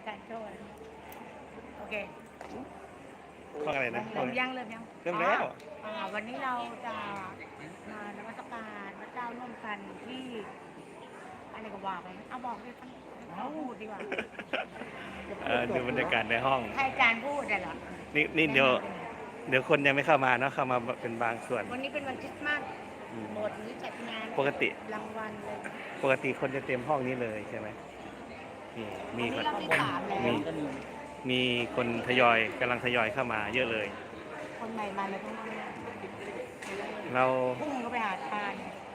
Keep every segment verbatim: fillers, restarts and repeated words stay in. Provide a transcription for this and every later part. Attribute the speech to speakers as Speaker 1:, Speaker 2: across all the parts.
Speaker 1: การโชว์โอเค
Speaker 2: ห้องอะไรนะห้
Speaker 1: เริ่
Speaker 2: อง
Speaker 1: ม
Speaker 2: อะไร
Speaker 1: ยังเริ่มยัง
Speaker 2: เริ่มแล้ว
Speaker 1: อ่าวันนี้เราจะมานมัสการพระเจ้าร่วมกันที่อะไรก็ว่าไปเอาบอกดิเอาพูดดีกว่า
Speaker 2: เออดูบรรยากาศในห้อง
Speaker 1: ให้อาจารย์พูดได้เหรอ
Speaker 2: นี่นี่เดี๋ยวเดี๋ยวคนยังไม่เข้ามาเนาะเข้ามาเป็นบางส่วน
Speaker 1: วันนี้เป็นวันคริสต์มาส
Speaker 2: อืม
Speaker 1: โบสถ์นี้จัดงาน
Speaker 2: ปกติ
Speaker 1: รางวัลเลย
Speaker 2: ปกติคนจะเต็มห้องนี้เลยใช่ไหมนี่มี
Speaker 1: วัน
Speaker 2: ค
Speaker 1: นี้
Speaker 2: น
Speaker 1: เราที่สามแล้ว
Speaker 2: มีมีคนทยอยกำลังทยอยเข้ามาเยอะเลย
Speaker 1: คนใหม่มาเลยทั้งนั้นเลย
Speaker 2: เรา
Speaker 1: พุ่งก็ไปหาทาน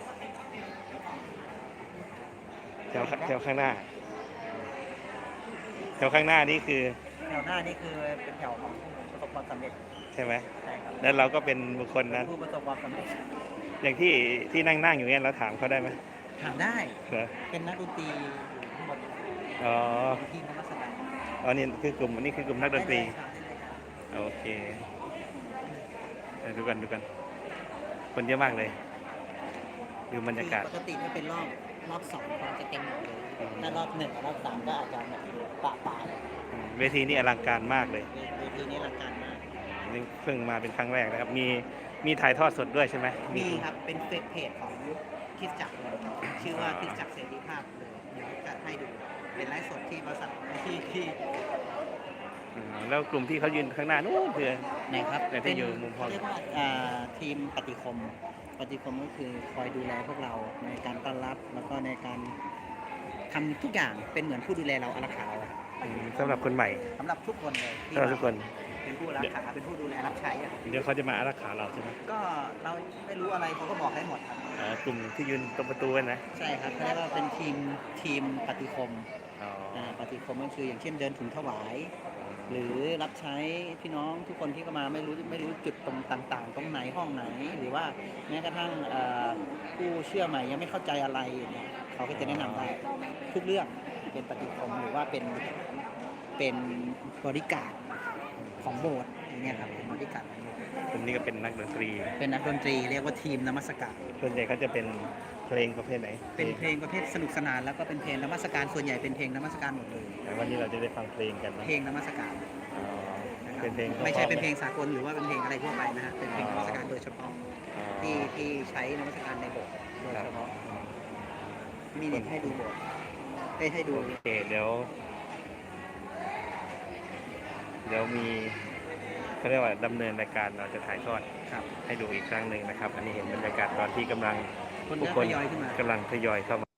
Speaker 2: แถวแถวข้างหน้าแถวข้างหน้านี่คือ
Speaker 3: แถวหน้านี่คือเป็นแถวของผู้ประสบความสำเร็จ
Speaker 2: ใช่ไหม
Speaker 3: ใช่ครับ
Speaker 2: แล้วเราก็เป็นบุคคลนั้น
Speaker 3: ผู้ประสบความสำเร็จ
Speaker 2: อย่างที่ที่นั่งนั่งอยู่เนี่ยเราถามเขาได้ไหม
Speaker 3: ถามได้
Speaker 2: เหรอ
Speaker 3: เป็นนักดนตรีอยู่ทั้งหมด
Speaker 2: อ๋อ
Speaker 3: เป็นทีมนักแสดง
Speaker 2: อ๋อนี่คือกลุ่มนี่คือกลุ่มนักดนตรี
Speaker 3: ได้เลยครับ
Speaker 2: โอเคเออดูกันดูกัน คนเยอะมากเลย ดูบรรยากาศ
Speaker 3: คือปกติถ้าเป็นรอบรอบสองคนจะเต็มหมดเลย
Speaker 2: อืม
Speaker 3: ถ้ารอบหนึ่งกับรอบสามก็อาจจะแบบปะปะเลย
Speaker 2: อืมเวทีนี่อลังการมากเลย
Speaker 3: เวทีนี้อลังการมาก
Speaker 2: นี่เพิ่งมาเป็นครั้งแรกนะครับ มีมีถ่ายทอดสดด้วยใช่ไหม
Speaker 3: มีครับเป็นเฟซเพจของคริสตจักรเลยชื่อว่าคริสตจักรเสรีภาพเลยเดี๋ยวจะให้ดูเป็นไลฟ์สดที่บริษัทที่ที่
Speaker 2: อืมแล้วกลุ่มที่เขายืนข้างหน้านู้นคือ
Speaker 3: ไหนครับ
Speaker 2: ไหนที่อยู่มุมห้อง
Speaker 3: เรียกว่าอ่าทีมปฏิคม ปฏิคมก็คือคอยดูแลพวกเราในการต้อนรับแล้วก็ในการทำทุกอย่างเป็นเหมือนผู้ดูแลเราอารักขาเรา
Speaker 2: อืมสำหรับคนใหม่
Speaker 3: สำหรับทุกคนเลยที่
Speaker 2: สำหรับทุกคน
Speaker 3: เป็นผู้รักษาเป็นผู้ดูแลรับใช้อะ
Speaker 2: เดี๋ยวเขาจะมาอารักขาเราใช่ไหม
Speaker 3: ก็เราไม่รู้อะไรเขาก็บอกให้หมดครับ
Speaker 2: อ๋อกลุ่มที่ยืนตรงประตูนั่นนะ
Speaker 3: ใช่ครับเขาเรียกว่าเป็นทีมทีมปฏิคม
Speaker 2: อ๋อ
Speaker 3: อ่าปฏิคมก็คืออย่างเช่นเดินถุงถวาย หรือรับใช้พี่น้องทุกคนที่เข้ามาไม่รู้ไม่รู้จุดตรงต่าง ๆ ตรงไหนห้องไหน หรือว่าแม้กระทั่งเอ่อผู้เชื่อใหม่ยังไม่เข้าใจอะไรเนี่ยเขาก็จะแนะนำได้ทุกเรื่องเป็นปฏิคมหรือว่าเป็นเป็นบริการของโบสถ์อย่างเงี้ยครับเป็นบริการของโบสถ์
Speaker 2: กลุ่มนี้ก็เป็นนักดนตรี
Speaker 3: เป็นนักดนตรีเรียกว่าทีมนมัสการ
Speaker 2: ส่วนใหญ่เขาจะเป็นเพลงประเภทไหน
Speaker 3: เป็นเพลงประเภทสนุกสนานแล้วก็เป็นเพลงนมัสการส่วนใหญ่เป็นเพลงนมัสการหมดเลย
Speaker 2: แต่วันนี้เราจะได้ฟังเพลงกันนะ
Speaker 3: เพลงนมัสการ
Speaker 2: อ๋อ
Speaker 3: นะครับ
Speaker 2: เป็นเพลง
Speaker 3: ไม่ใช่เป็น
Speaker 2: พ
Speaker 3: เพล
Speaker 2: ราะ
Speaker 3: งสากลหรือว่าเป็นเพลงอะไรทั่วไปนะฮะเป็นเพลงนมัสการโดยเฉพาะ
Speaker 2: ๆอ๋อ
Speaker 3: ที่ที่ใช้นมัสการในโบสถ์โดย
Speaker 2: ครับ
Speaker 3: เฉพาะมีนิทให้ดูโบสถ์ให้ให้ดู
Speaker 2: โอเคเดี๋ยว เดี๋ยวมีเขาเรียกว่าดำเนินรายการเราจะถ่ายทอด
Speaker 3: ครับ
Speaker 2: ให้ดูอีกครั้งหนึ่งนะครับ อันนี้เห็นบรรยากาศตอนที่กำลัง
Speaker 3: คน
Speaker 2: ผู้
Speaker 3: เริ่ม
Speaker 2: คน
Speaker 3: ทยอยขึ้นมา
Speaker 2: กำลังทยอยเข้ามา